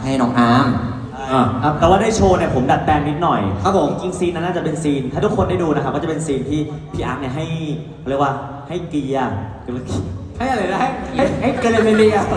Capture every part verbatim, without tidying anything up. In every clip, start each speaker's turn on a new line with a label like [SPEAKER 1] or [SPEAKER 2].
[SPEAKER 1] ให้น้องอาร์ม
[SPEAKER 2] ครับแต่ว่าได้โชว์เนี่ยผมดัดแปลงนิดหน่อย
[SPEAKER 1] ครับผม
[SPEAKER 2] จริงๆซีนนั้นน่าจะเป็นซีนถ้าทุกคนได้ดูนะครับก็จะเป็นซีนที่พี่อาร์ตเนี่ยให้เรียกว่าให้เกียร์
[SPEAKER 3] ให้อะไรนะให้ให้ให้เกเรเรีย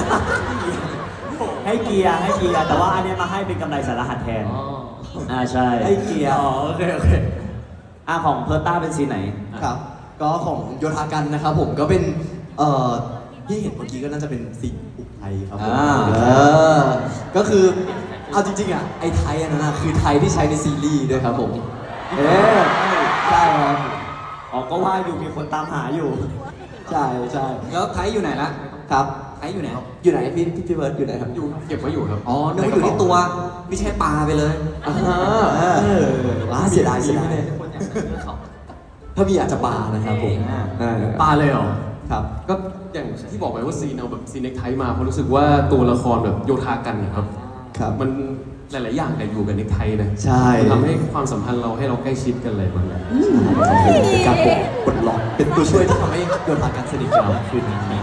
[SPEAKER 2] ให้เกียร์ให้เกียร์แต่ว่าอันเนี้ยมาให้เป็นกำไรสารหัสแทนอ่าใช่
[SPEAKER 1] ให้เกียร์
[SPEAKER 3] อ๋อโอเคโอเค
[SPEAKER 2] อ่าของเพิร์ต้าเป็นซีนไหน
[SPEAKER 1] ครับก็ของโยธากันนะครับผมก็เป็นเอ่อที่เห็นเมื่อกี้ก็น่าจะเป็นสิ่งอุกไทยครับผม
[SPEAKER 2] อ่า
[SPEAKER 1] เออก็คือเอาจริงๆอ่ะไอ้ไทยอันนั้นนะคือไทยที่ใช้ในซีรีส์ด้วยครับผมเออใช่ครับ
[SPEAKER 2] อ๋อก็ว่าอยู่มีคนตามหาอยู่
[SPEAKER 1] ใช่ใช่
[SPEAKER 3] แล้วไทยอยู่ไหนละ
[SPEAKER 1] ครับ
[SPEAKER 3] ไทยอยู่ไหน
[SPEAKER 1] อยู่ไหนพี่พี่พี่เบิร์ดอยู่ไหนครับ
[SPEAKER 3] อยู่เก็บไว้อยู่ครับ
[SPEAKER 1] อ๋อนึกว่าอยู่ที่ตัวไม่ใช่ปลาไปเลยอ่าเออว้าเสียดายเสียดายถ้ามีอาจจะปลานะครับผมอ่า
[SPEAKER 3] ปลาเลยเหรอ
[SPEAKER 1] ครับ
[SPEAKER 4] ก็อย่างที่บอกไปว่าซีนเอาแบบซีนเน็กไทมาเพราะรู้สึกว่าตัวละครแบบโยธากันนะครับ
[SPEAKER 1] ครับ
[SPEAKER 4] มันหลาย ๆ อย่างแต่อยู่กับเน็กไทนะ
[SPEAKER 1] ใช่
[SPEAKER 4] มันทำให้ความสัมพันธ์เราให้เราใกล้ชิดกันเลยมันเลย
[SPEAKER 1] เป็นการปลดปลดล็อกเป็นตัวช่วยที่ทำให้โยธากันสนิทกันมากขึ้นนี้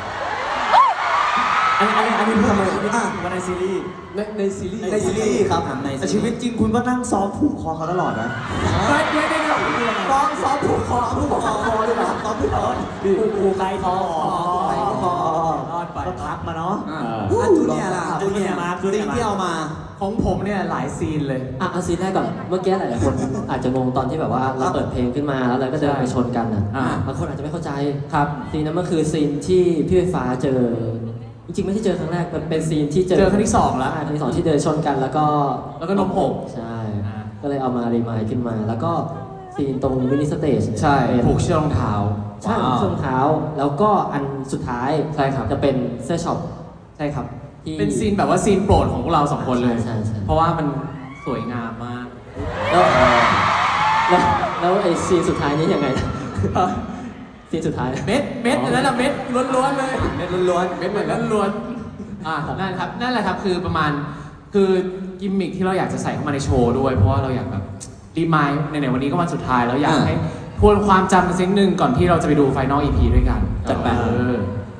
[SPEAKER 2] อันนี้อันนี้อันนี้พูดมาว่าในซีรีส์
[SPEAKER 4] ในในซีรีส์
[SPEAKER 1] ในซีรีส์ครับใน
[SPEAKER 2] แต่ชีวิตจริงคุณก็นั่งซ้อมผูกคอเขาตลอดนะ
[SPEAKER 3] ไม่เดี๋ยวเดี๋ยวเดี๋ยวซ้อมซ้อมผูกคอผูกคอคอด้วยนะซ้อมผูกคอ
[SPEAKER 2] ผูกผูกไกลคอ
[SPEAKER 3] ไกลคอ
[SPEAKER 2] รอดไปก็พักมาเนาะ
[SPEAKER 3] อ่า
[SPEAKER 1] อ่ะจูเนียร์ล่ะ
[SPEAKER 2] จูเนียร์มาจูเนียร์มา
[SPEAKER 1] ที่เอามา
[SPEAKER 3] ของผมเนี่ยหลายซีนเลย
[SPEAKER 5] อ่ะเอาซีนแรกก่อน เมื่อกี้หลายๆคนอาจจะงงตอนที่แบบว่าเราเปิดเพลงขึ้นมาแล้วเราก็เดินไปชนกันอ่ะ
[SPEAKER 3] อ่า
[SPEAKER 5] บางคนอาจจะไม่เข้าใจครับซีนนั้นมันคือซีนที่พี่ไฟฟ้าเจอ จริงๆไม่ใช่เจอครั้งแรกมันเป็นซีนที่เจอ
[SPEAKER 3] เจอครั้งที่สองแล้ว
[SPEAKER 5] ใช่ครั้งที่สองที่เดินชนกันแล้วก็
[SPEAKER 3] แล้วก็นมหก
[SPEAKER 5] ใช่
[SPEAKER 3] อ่า
[SPEAKER 5] ก็เลยเอามารีมายขึ้นมา แล้วก็ซีนตรงมินิสเตจ
[SPEAKER 3] ใช่
[SPEAKER 5] เป็น
[SPEAKER 3] ผูกเชือกรองเท้า
[SPEAKER 5] ใช่ผูกเชือกรองเท้า แล้วก็อันสุดท้าย
[SPEAKER 3] ใช่ครับ
[SPEAKER 5] จะเป็นเสื้อช็อปใช่ครับที่
[SPEAKER 3] เป็นซีนแบบว่าซีนโปรดของพวกเราสองคนเลย
[SPEAKER 5] ใช่ใช่
[SPEAKER 3] เพราะว่ามันสวยงามมาก
[SPEAKER 5] แล้วแล้วแล้วไอ้ซีนสุดท้ายนี้ยังไงนะซีนสุดท้าย
[SPEAKER 3] เม็ดเม็ดอันนั้นอะเม็ดล้วนๆเลย
[SPEAKER 1] เม็ดล้วนๆ
[SPEAKER 3] เม็ดเหมือนล้วนๆอ่านั่นครับนั่นแหละครับคือประมาณคือกิมมิคที่เราอยากจะใส่เข้ามาในโชว์ด้วย เพราะว่าเราอยากแบบรีมายด์ในๆวันนี้ก็วันสุดท้ายแล้วอยากให้ทวนความจำกันสักนิดนึงก่อนที่เราจะไปดูไฟนอล อี พี ด้วยกัน
[SPEAKER 5] จัดไป
[SPEAKER 3] เออ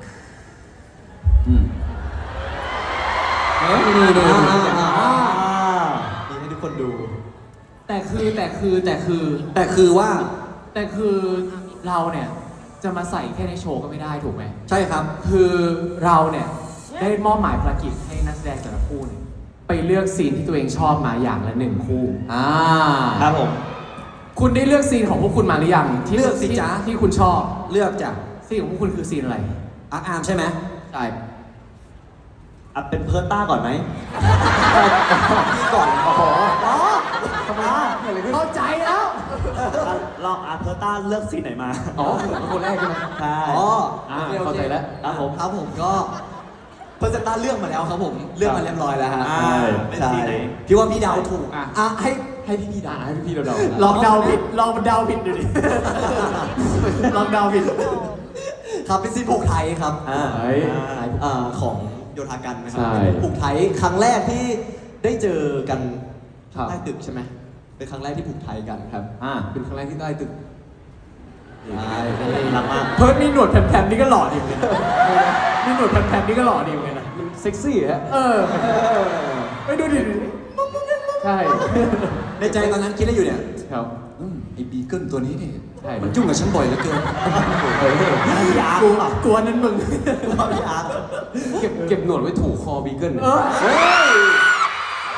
[SPEAKER 5] เอ้ยนี่นี่
[SPEAKER 1] อ่า
[SPEAKER 5] นี่
[SPEAKER 1] อ่าอ่า
[SPEAKER 2] อ่า
[SPEAKER 1] นี่ให้ทุกคนดู
[SPEAKER 3] แต่คือแต่คือแต่คือ
[SPEAKER 1] แต่คือว่า
[SPEAKER 3] แต่คือเราเนี่ยจะมาใส่แค่ในโชว์ก็ไม่ได้ถูกไหม
[SPEAKER 1] ใช่ครับ
[SPEAKER 3] คือเราเนี่ยได้มอบหมายภารกิจให้นักแสดงแต่ละคู่เนี่ยไปเลือกซีนที่ตัวเองชอบมาอย่างละหนึ่งคู่
[SPEAKER 1] อ่า
[SPEAKER 2] ครับผม
[SPEAKER 3] คุณได้เลือกซีนของพวกคุณมาหรือยังที่
[SPEAKER 1] เลือกสิ
[SPEAKER 3] ที่
[SPEAKER 1] จ๊ะ
[SPEAKER 3] ที่คุณชอบ
[SPEAKER 1] เลือกจาก
[SPEAKER 3] ซีนของพวกคุณคือซีนอะไร
[SPEAKER 1] อาร์อาร์มใช่ไหม
[SPEAKER 3] ใช่
[SPEAKER 2] อ่ะเป็นเพิร์ต้าก่อนไหม
[SPEAKER 1] พี่ก่อนโอ้โห
[SPEAKER 2] อ๋อทำไมอ่ะ
[SPEAKER 3] เข้าใจแล้ว
[SPEAKER 2] อ่ะลองอ่ะเพิร์ต้าเลือกซีนไหนมา
[SPEAKER 4] อ๋อคนแรกใช่ไหม
[SPEAKER 2] ใช่
[SPEAKER 1] อ๋อ
[SPEAKER 4] อ่า
[SPEAKER 1] โอคโอค
[SPEAKER 4] เข้าใจแล้ว
[SPEAKER 2] ครับผม
[SPEAKER 1] ครับผมก็เพอร์เซนต้าเลือกมาแล้วครับผมเลือกมาเรียบร้อยแล้วฮะ
[SPEAKER 2] อ่าเป็น
[SPEAKER 1] ใช่
[SPEAKER 2] ซีนไหน
[SPEAKER 1] พี่ว่าพี่เดาถูก
[SPEAKER 3] อ่ะ
[SPEAKER 1] อ่ะให้ให้พี่พี่เดา
[SPEAKER 4] อ่าให้พี่ๆเราเดา
[SPEAKER 3] ลองเดาผิดลองเดาผิดดูดิ ลองเดาผิด
[SPEAKER 1] ครับเป็นซีนผูกไทยครับ
[SPEAKER 2] อ่า
[SPEAKER 4] เฮ้ย
[SPEAKER 1] อ่าของโยธากันนะครั
[SPEAKER 4] ใช่
[SPEAKER 1] เป็นผูกไทยครั้งแรกที่ได้เจอกัน
[SPEAKER 4] ครับ
[SPEAKER 1] ใต้ตึกใช่ไหมเป็นครั้งแรกที่ผูกไทยกันครับ
[SPEAKER 2] อ่า
[SPEAKER 4] เป็นครั้งแรกที่ใต้ตึก
[SPEAKER 1] ใช่
[SPEAKER 2] รักมาก
[SPEAKER 3] เพิร์ดมีหนวดแผ่นๆนี่ก็หล่อดีเหมือนกันนะมีหนวดแผ่นๆนี่ก็หล่อดีเหมือนกันนะ
[SPEAKER 4] มันเซ็กซี่ฮะ
[SPEAKER 3] เออไปดูดิ
[SPEAKER 4] ใช่
[SPEAKER 1] ในใจตอนนั้นคิดอะไรอยู่เนี่ย
[SPEAKER 4] ครับ
[SPEAKER 1] อืมไอ้บีเกิลตัวนี้เนี่ย
[SPEAKER 4] ใช่
[SPEAKER 1] มันยุ่งกับฉันบ่อยเหลือเกิน
[SPEAKER 4] เฮ้ย
[SPEAKER 2] พี่อาร์
[SPEAKER 3] กู
[SPEAKER 2] ต
[SPEAKER 3] กลัวนั้นมึง
[SPEAKER 2] พี่อาร์ต
[SPEAKER 4] เก็บเก็บหนวดไว้ถูคอบีเกิล
[SPEAKER 3] เออ
[SPEAKER 1] เฮ้ย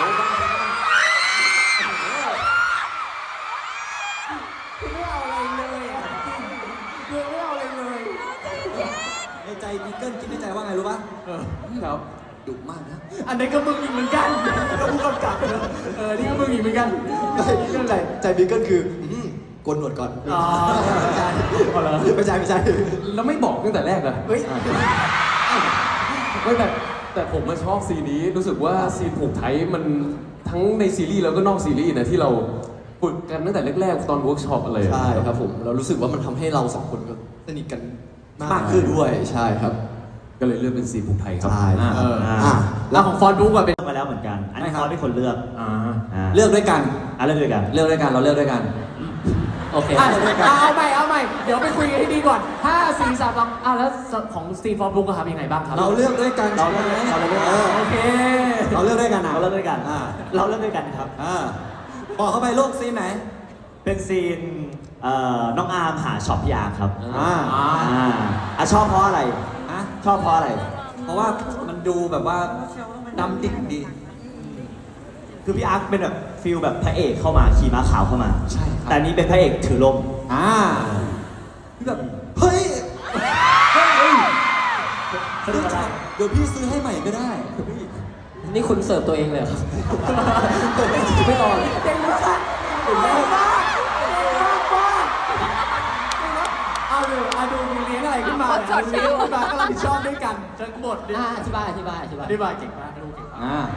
[SPEAKER 3] คือไม่เอาอะไรเลยอ่ะคือไม่เอาอะไรเลย
[SPEAKER 1] ในใจบีเกิลคิดในใจว่าไงรู้ปะ
[SPEAKER 3] เออ
[SPEAKER 4] ครับ
[SPEAKER 1] ดุมากนะ
[SPEAKER 3] อันนี้ก็มึงอีกเหมือนกันก็ผู้กำกับเนอะเออ นี่ก็มึงอีกเหมือนกัน
[SPEAKER 1] ใจใจบีเกิลคืออืมโกนหนวดก่อน
[SPEAKER 3] อ๋อ
[SPEAKER 1] ไม่ใช่
[SPEAKER 3] อ๋อเหรอ
[SPEAKER 1] ไม่ใช่ไม่ใช่
[SPEAKER 4] แล้วไม่บอกตั้งแต่แรกเลย
[SPEAKER 1] เฮ้ย
[SPEAKER 4] ไม่แต่แต่ผมมาชอบซีนนี้รู้สึกว่าซีนผูกไทยมันทั้งในซีรีส์แล้วก็นอกซีรีส์นะที่เราฝึกกันตั้งแต่แรกๆตอนเวิร์กช็อปอะไร
[SPEAKER 1] ใช่ครับผมเรารู้สึกว่ามันทำให้เราสองคนก็สนิทกันมากขึ้นด้วยใช่ครับ
[SPEAKER 4] ก็เลยเลือกเป็นซีนผูกไทยครับ
[SPEAKER 1] ใช่
[SPEAKER 3] อ่า
[SPEAKER 1] ครับ
[SPEAKER 3] เออ
[SPEAKER 1] อ่ะ
[SPEAKER 3] แล้วของฟอนบุ๊กอะเป็น
[SPEAKER 2] เลือกมาแล้วเหมือนกัน อันนี้
[SPEAKER 1] ใช่ครับ
[SPEAKER 2] เขาเป็นคนเลือก
[SPEAKER 3] อ่า
[SPEAKER 2] อ่า
[SPEAKER 1] เลือกด้วยกัน
[SPEAKER 2] อ่ะเลือกด้วยกัน
[SPEAKER 1] เลือกด้วยกันเราเลือกด้วยกัน
[SPEAKER 5] โอเค
[SPEAKER 3] อ่ะเอาใหม่เอาใหม่ เดี๋ยวไปคุยกันให้ดีก่อนห้าสี่สามสองอ่ะแล้วของสตีฟฟอนบุ๊กอะครับยังไงบ้างครับ
[SPEAKER 1] เราเลือกด้วยกัน
[SPEAKER 2] เราเลือก
[SPEAKER 1] ใช่ไหม
[SPEAKER 2] เราเลือก
[SPEAKER 1] เออ
[SPEAKER 3] โอเค
[SPEAKER 1] เลือกด้วยกันนะ
[SPEAKER 2] เราเลือกด้วยกัน
[SPEAKER 1] อ่า
[SPEAKER 2] เราเลือกด้วยกันครับ
[SPEAKER 1] อ่าบอกเข้าไปลูกซีนไหน
[SPEAKER 2] เป็นซีนเอ่อน้องอาร์มหาช็อปพี่อาร์มครับ
[SPEAKER 1] อ่า
[SPEAKER 2] อ่าอ่ะชอบเพราะอะไร
[SPEAKER 1] ฮะ
[SPEAKER 2] ชอบเพราะอะไร
[SPEAKER 1] เพราะว่ามันดูแบบว่าดำดิ่งดี
[SPEAKER 2] คือพี่อาร์มเป็นแบบฟิลแบบพระเอกเข้ามาขี่ม้าขาวเข้ามา
[SPEAKER 1] ใช่ครับ
[SPEAKER 2] แต่อันนี้เป็นพระเอกถือลม
[SPEAKER 1] อ่าพี่แบบเฮ้ยเฮ้ย
[SPEAKER 2] สนุกอะไร
[SPEAKER 1] เดี๋ยวพี่ซื้อให้ใหม่ก็ได้
[SPEAKER 5] นี่คุณเสิร์ฟตัวเองเลยเหรอครับ ไม่รอเลย
[SPEAKER 3] เก่งมากเก่งมากเก่งมากมากเอาดูเอาดูมีเลี้ยงอะไรขึ้นมาเนี่ยมีเลี้ยงขึ้นมาก็รับผิดชอบด้วยกันทั้งหมดเนี่ย
[SPEAKER 5] อ่าอธิบายอธิบายอธิบาย
[SPEAKER 3] อธิบายเก่งมากดูเก่งมาก
[SPEAKER 1] อ่า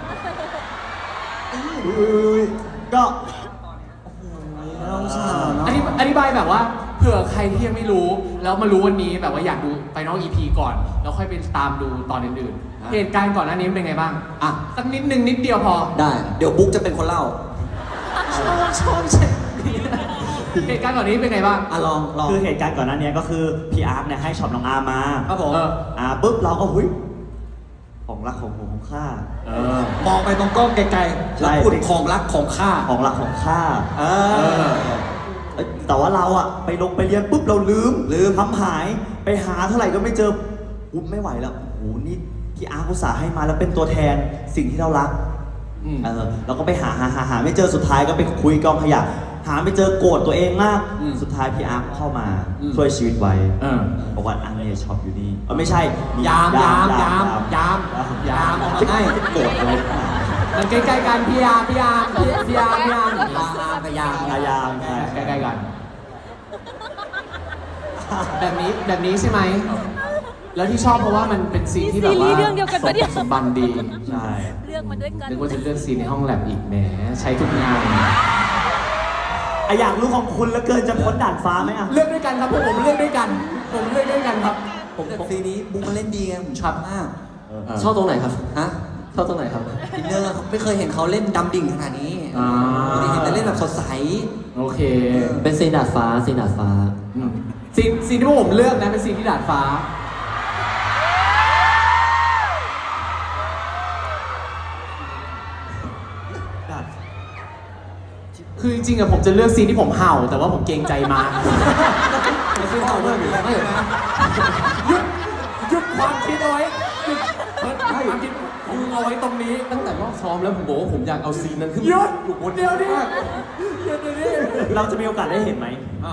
[SPEAKER 2] ก็
[SPEAKER 1] เราสาวเนาะ
[SPEAKER 3] อธิอธิบายแบบว่าเผื่อใครที่ยังไม่รู้ แล้วมารู้วันนี้แบบว่าอยากดูไฟนอล อี พี ก่อน แล้วค่อยไปตามดูตอนอื่นๆ เหตุการณ์ก่อนหน้านี้เป็นไงบ้าง อ่ะ สักนิดนึงนิดเดียวพอ
[SPEAKER 1] ได้ เดี๋ยวบุ๊กจะเป็นคนเล่า
[SPEAKER 3] ชอบชอบใช่เหตุการณ์ก่อนนี้เป็นไงบ้าง
[SPEAKER 1] อ่ะลองลอง
[SPEAKER 2] คือเหตุการณ์ก่อนหน้านี้ก็คือพี่อาร์มเนี่ยให้ช็อปน้องอาร์มมา
[SPEAKER 1] ครับผม
[SPEAKER 3] เออ
[SPEAKER 2] อ่าปุ๊บเราก็หุ้ยของรักของผมของข้า
[SPEAKER 3] เออ
[SPEAKER 1] มองไปตรงกล้องไกลๆ
[SPEAKER 2] ใช่
[SPEAKER 1] แล้วพูดของรักของข้า
[SPEAKER 2] ของรักของข้า
[SPEAKER 1] เออ
[SPEAKER 2] เอ้ยแต่ว่าเราอะไปลงไปเรียนปุ๊บเราลืม
[SPEAKER 1] ลืม
[SPEAKER 2] ทำหายไปหาเท่าไหร่ก็ไม่เจออุ๊บไม่ไหวแล้วโอ้โหนี่พี่อาร์มอุตส่าห์ให้มาแล้วเป็นตัวแทนสิ่งที่เรารัก
[SPEAKER 3] อืม
[SPEAKER 2] เออเราก็ไปหาหาหาหาไม่เจอสุดท้ายก็ไปคุยกองขยะหาไม่เจอโกรธตัวเองมาก
[SPEAKER 3] อืม
[SPEAKER 2] สุดท้ายพี่อาร์มเข้ามา
[SPEAKER 3] อืม
[SPEAKER 2] ช่วยชีวิตไว้
[SPEAKER 3] เออ
[SPEAKER 2] บอกว่าอันนี้ช็อปอยู่นี่เออไม่ใช่
[SPEAKER 3] ยามยามยามยามยามออกมาให้
[SPEAKER 2] โกรธอะไรขนาดนั้น
[SPEAKER 3] มันใกล้ๆกันพี่ยามพี่ยามพี่ยามพี่ยาม
[SPEAKER 1] ยามกับยาม
[SPEAKER 2] อายามใช่
[SPEAKER 3] ใกล้ๆกัน แบบนี้แบบนี้ใช่ไหม แล้วที่ชอบเพราะว่ามันเป็นซีนที่แบบว่า
[SPEAKER 6] ซีรีส์เรื่องเดียวกันปะเนี่ย
[SPEAKER 3] สมบันดี
[SPEAKER 2] ใช่
[SPEAKER 6] เลือกมาด้วยกัน
[SPEAKER 3] นึกว่าจะเลือกซีนในห้องแลบอีกแหมใช้ทุกงาน
[SPEAKER 2] อะอยากรู้ของคุณแล้วเกินจะพ้นด่านฟ้าไหมอะ
[SPEAKER 3] เลือกด้วยกันครับพวกผมเลือกด้วยกัน ผมเลือกด้วยกันครับ
[SPEAKER 1] ผมแต่ซีนนี้บุ๊กมันเล่นดีไงผมชอบมาก
[SPEAKER 5] ชอบตรงไหนครับ
[SPEAKER 1] ฮะ
[SPEAKER 5] ชอบตรงไหนครับ
[SPEAKER 1] อินเนอร์เขาไม่เคยเห็นเขาเล่นดำดิ่งขนาดนี้
[SPEAKER 3] อ่า
[SPEAKER 1] ปกติเห็นแต่เล่นแบบสดใส
[SPEAKER 3] โอเค
[SPEAKER 5] เป็นซีนดาดฟ้าซีนดาดฟ้า
[SPEAKER 3] อืมซีนซีนที่พวกผมเลือกนะเป็นซีนที่ดาดฟ้า คือจริงๆอะผมจะเลือกซีนที่ผมเห่า แต่ว่าผมเกรงใจมาก
[SPEAKER 1] ไม่ใช่เขาด้วยหรือไม่
[SPEAKER 3] หยุดหยุดความคิดเอาไว้หยุดเฮ้ยความคิดมึงเอาไว้ตรงนี้
[SPEAKER 4] ตั้งแต่รอบซ้อมแล้วผมบอกว่าผมอยากเอาซีนนั้นขึ้น
[SPEAKER 3] หยุด
[SPEAKER 4] อยู่บน
[SPEAKER 3] เดี๋ยวดิหยุดเดี๋ยวดิ
[SPEAKER 2] เราจะมีโอกาสได้เห็นไหม
[SPEAKER 4] อ่า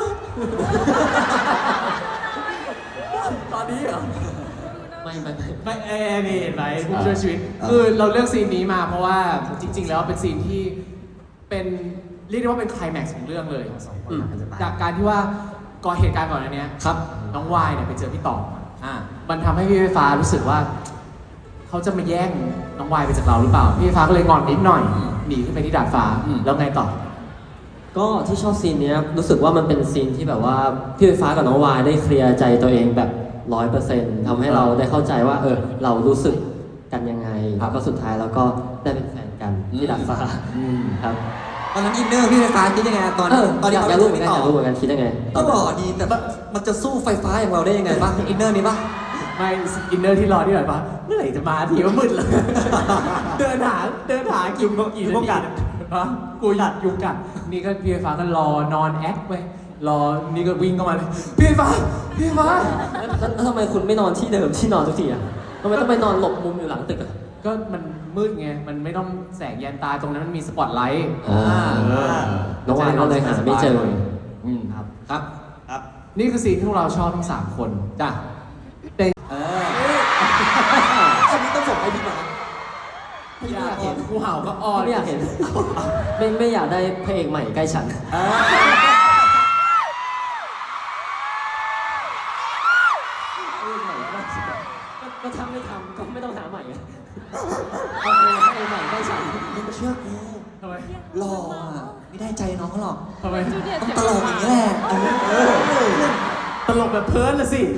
[SPEAKER 3] ตอนนี้เหรอ
[SPEAKER 5] ไม่ไม่ไม่
[SPEAKER 3] ไม่เอ้นี่เห็นไหมผู้ช่วยชีวิต คือเราเลือกซีนนี้มาเพราะว่าจริง ๆ แล้วเป็นซีนที่เป็นเรียกได้ว่าเป็นไคลแม็กซ์ของเรื่องเลยอืมจากการที่ว่าก่อนเหตุการณ์ก่อนอันเนี้ย
[SPEAKER 1] ครับ
[SPEAKER 3] น้องวายเนี่ยไปเจอพี่ต่อ
[SPEAKER 1] อ่า
[SPEAKER 3] มันทำให้พี่ไฟฟ้ารู้สึกว่า เขาจะมาแย่งน้องวายไปจากเราหรือเปล่า พี่ไฟฟ้าก็เลยงอนนิดหน่อย หนีขึ้นไปที่ดาดฟ้า แล้วไงต่อ
[SPEAKER 5] ก็ที่ชอบซีนเนี้ยรู้สึกว่ามันเป็นซีนที่แบบว่าพี่ไฟฟ้ากับน้องวายได้เคลียร์ใจตัวเองแบบร้อยเปอร์เซ็นต์ทำให้เราได้เข้าใจว่า เออ เรารู้สึกกันยังไงแล้วก็สุดท้ายเราก็ได้เป็นแฟนกันที่ดาดฟ้าครับ
[SPEAKER 1] ตอนนั้นอินเนอร์พี่ไฟฟ้าคิดยังไงตอน
[SPEAKER 5] เออ
[SPEAKER 1] ตอน
[SPEAKER 5] อ
[SPEAKER 1] ที่
[SPEAKER 5] ยาก
[SPEAKER 1] เขา
[SPEAKER 5] อยากรู้เหมือนกัน
[SPEAKER 1] ต่
[SPEAKER 5] อยากรู้เหมือนกันคิดยังไง
[SPEAKER 1] ก็หล่อดีแต่มันจะสู้ไฟฟ้าอย่างเราได้ยังไงบ้างอินเนอร์นี้ป่ะ
[SPEAKER 3] ไม่อินเนอร์ที่รอที่แบบว่าเมื่อไหร่จะมาทีว่ามืดเลย เดินหาเดินหากี่กี่
[SPEAKER 2] ยุงกัด
[SPEAKER 3] ฮะกูหยัดยุงกัด นี่ก็พี่ไฟฟ้าก็รอนอนแอคไปรอนี่ก็วิ่งเข้ามาเลยพี่ไฟฟ้าพี่ไฟฟ้า
[SPEAKER 5] แล้วแล้วทำไมคุณไม่นอนที่เดิมที่นอนทุกทีอ่ะทำไมต้องไปนอนหลบมุมอยู่หลังตึกอ่ะ
[SPEAKER 3] ก็มันมืดไงมันไม่ต้องแสงแยนตาตรงนั้นมันมีสปอตไลท์
[SPEAKER 5] อ่า
[SPEAKER 3] เออ
[SPEAKER 5] น้องวายก็เลยหาไม่เจอ
[SPEAKER 3] อืมครับ
[SPEAKER 1] ครับ
[SPEAKER 2] ครับ
[SPEAKER 3] นี่คือซีนที่พวกเราชอบทั้งสามคนจ้ะเป็น
[SPEAKER 1] เอออันนี้ต้องส่งให้พี่มา
[SPEAKER 3] อยากเห็นกูเห่าก็อ้อน
[SPEAKER 5] ไม่อยากเห็น ไม่ไม่อยากได้พระเอกใหม่ใกล้ฉัน ก็ถ้าไม่ทำก็ไม่ต้องหาใหม่ไงเอาเลยพระเอกใหม่ใกล้ฉัน
[SPEAKER 1] มึงเชื่อกู
[SPEAKER 3] ทำไม
[SPEAKER 1] หล่ออ่ะไม่ได้ใจน้องเขาหรอก
[SPEAKER 3] ทำไม
[SPEAKER 1] ต้องตลกอย่างนี้แหละเออ
[SPEAKER 3] ตลกแบบเพิร์นละสิ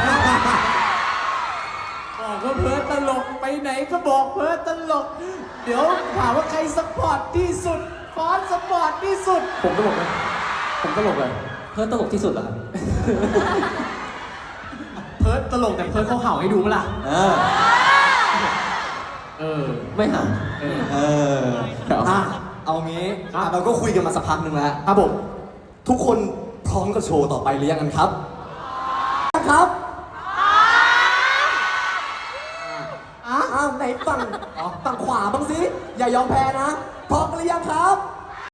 [SPEAKER 3] บอกว่าเพิร์นตลกไปไหนก็บอกเพิร์นตลก เดี๋ยวถามว่าใครสปอร์ตที่สุดฟอนสปอร์ตที่สุด
[SPEAKER 4] ผมตลกไหมผมตลกเลย
[SPEAKER 5] เพื่อนตลกที่สุดเหรอครับ
[SPEAKER 3] เพิร์ดตลกแต่เพิร์ดเขาเห่าให้ดูปะล่ะ
[SPEAKER 1] เออ
[SPEAKER 3] เอเออ
[SPEAKER 5] ไม่หัน
[SPEAKER 3] เออ
[SPEAKER 2] เอออ่ะเอางี้
[SPEAKER 1] อ่ะเราก็คุยกันมาสักพักหนึ่งแล้ว
[SPEAKER 2] ครับผม
[SPEAKER 1] ทุกคนพร้อมกับโชว์ต่อไปหรือยังกันครับ ครับอ้าวไหนฝั่งอ๋อฝั่งขวาบ้างสิ อย่ายอมแพ้นะ พร้อมกันหรือยังครับ